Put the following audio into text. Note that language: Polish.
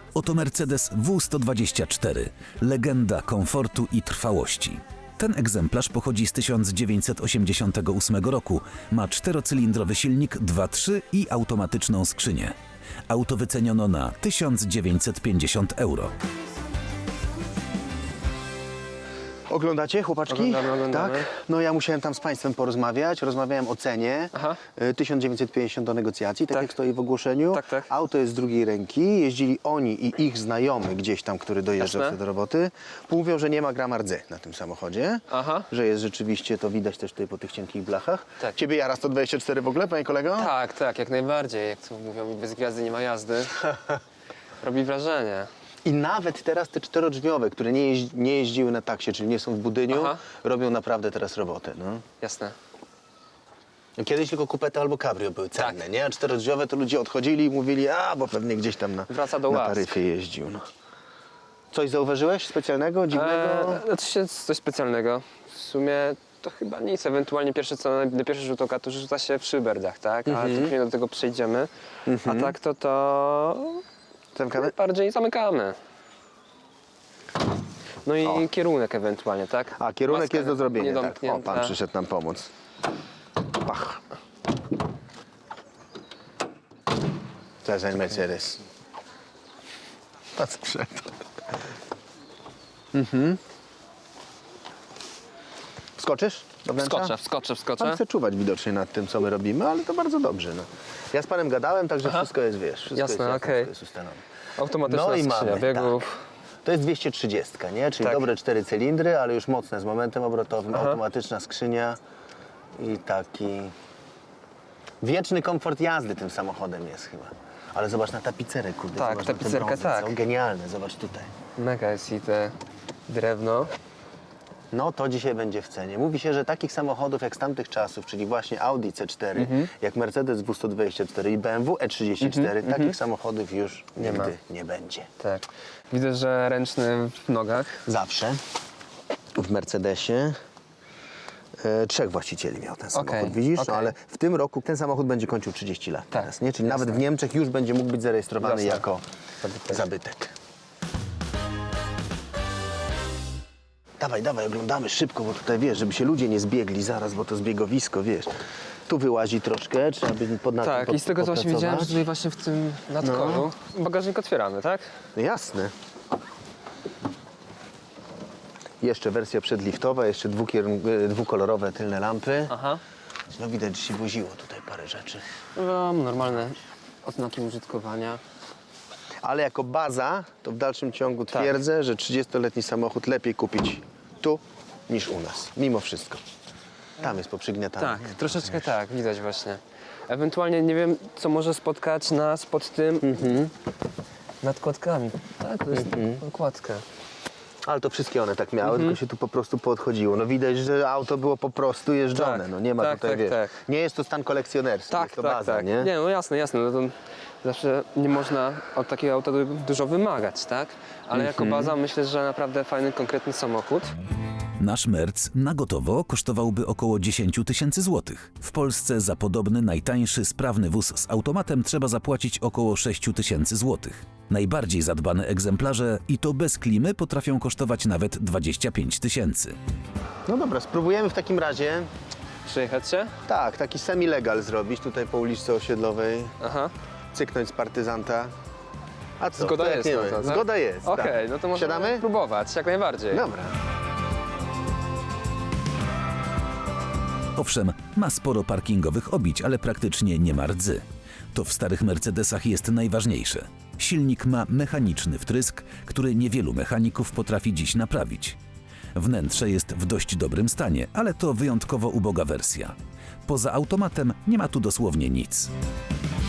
Oto Mercedes W124, legenda komfortu i trwałości. Ten egzemplarz pochodzi z 1988 roku, ma czterocylindrowy silnik 2.3 i automatyczną skrzynię. Auto wyceniono na 1950 euro. Oglądacie, chłopaczki? Oglądamy. Tak? No ja musiałem tam z Państwem porozmawiać. Rozmawiałem o cenie. Aha. 1950 do negocjacji, tak, Tak. jak stoi w ogłoszeniu. Tak, tak. Auto jest z drugiej ręki. Jeździli oni i ich znajomy gdzieś tam, który dojeżdżał Jasne. sobie do roboty. Mówią, że nie ma grama rdzy na tym samochodzie. Aha. Że jest rzeczywiście, to widać też tutaj po tych cienkich blachach. Tak. Ciebie jara 124 w ogóle, panie kolego? Tak, jak najbardziej. Jak to mówią, bez gwiazdy nie ma jazdy. Robi wrażenie. I nawet teraz te czterodrzwiowe, które nie jeździły na taksie, czyli nie są w budyniu, Aha. robią naprawdę teraz robotę. No. Jasne. Kiedyś tylko kupety albo cabrio były cenne, Tak. nie? A czterodrzwiowe to ludzie odchodzili i mówili, bo pewnie gdzieś tam Wraca do na łask. taryfie jeździł. No. Coś zauważyłeś specjalnego, dziwnego? Coś specjalnego. W sumie to chyba nic. Ewentualnie na pierwszy rzut oka to rzuca się w szyberdach, tak? A później do tego przejdziemy. A tak to Zamykamy? bardziej zamykamy. No i kierunek ewentualnie, tak? A, kierunek Maska jest do zrobienia, tak. O, niedomknięta. pan przyszedł nam pomóc. Pach. To jest ten Mercedes. Pan sprzęt. Wskoczysz do wnętrza? Wskoczę. Pan chce czuwać widocznie nad tym, co my robimy, ale to bardzo dobrze. No. Ja z panem gadałem, także wszystko jest, wiesz, wszystko Jasne, jest, okej. wszystko jest ustalone. Automatyczna No i skrzynia mamy, biegów. To jest 230, nie? Czyli Tak. dobre 4 cylindry, ale już mocne z momentem obrotowym, automatyczna skrzynia i taki wieczny komfort jazdy tym samochodem jest chyba. Ale zobacz na tapicerę, kurde. Tak, zobacz na te tapicerkę, brązy, tak. co? Genialne, zobacz tutaj. Mega jest i te drewno. No to dzisiaj będzie w cenie. Mówi się, że takich samochodów jak z tamtych czasów, czyli właśnie Audi C4, jak Mercedes W124 i BMW E34, takich samochodów już Nie ma. nigdy nie będzie. Tak. Widzę, że ręczny w nogach. Zawsze w Mercedesie 3 właścicieli miał ten samochód, Okej, widzisz? No, okej. ale w tym roku ten samochód będzie kończył 30 lat Tak, teraz, nie? Czyli jasne. nawet w Niemczech już będzie mógł być zarejestrowany Jasne. jako Zabytek. zabytek. Dawaj, oglądamy szybko, bo tutaj wiesz, żeby się ludzie nie zbiegli zaraz, bo to zbiegowisko, wiesz. Tu wyłazi troszkę, trzeba by nad Tak, tym i z tego co właśnie widziałem, że popracować. tutaj właśnie w tym nadkolu bagażnik otwieramy, tak? No jasne. Jeszcze wersja przedliftowa, jeszcze dwukolorowe tylne lampy. Aha. No widać, że się woziło tutaj parę rzeczy. No, normalne oznaki użytkowania. Ale jako baza, to w dalszym ciągu twierdzę, że 30-letni samochód lepiej kupić tu niż u nas. Mimo wszystko. Tam jest poprzygniatane. Tak, troszeczkę tak, widać właśnie. Ewentualnie nie wiem, co może spotkać nas pod tym nadkładkami. Tak, to jest nakładka. Ale to wszystkie one tak miały, tylko się tu po prostu podchodziło. No widać, że auto było po prostu jeżdżone. Tak, No nie ma tak, tutaj, tak, wiesz, tak. nie jest to stan kolekcjonerski, Tak, jest to tak, baza, tak. nie? Nie, no jasne. No to zawsze nie można od takiego auta dużo wymagać, tak? Ale jako baza myślę, że naprawdę fajny, konkretny samochód. Nasz Merc na gotowo kosztowałby około 10 tysięcy złotych. W Polsce za podobny, najtańszy, sprawny wóz z automatem trzeba zapłacić około 6 tysięcy złotych. Najbardziej zadbane egzemplarze, i to bez klimy, potrafią kosztować nawet 25 tysięcy. No dobra, spróbujemy w takim razie, Przyjechać się? tak, taki semi-legal zrobić tutaj po uliczce Osiedlowej, Aha. cyknąć z partyzanta. A co? Zgoda to jak jest nie na ma? to, tak? Zgoda jest, Okej, tak. no to możemy Siadamy? próbować, jak najbardziej. Dobra. Owszem, ma sporo parkingowych obić, ale praktycznie nie ma rdzy. To w starych Mercedesach jest najważniejsze. Silnik ma mechaniczny wtrysk, który niewielu mechaników potrafi dziś naprawić. Wnętrze jest w dość dobrym stanie, ale to wyjątkowo uboga wersja. Poza automatem nie ma tu dosłownie nic.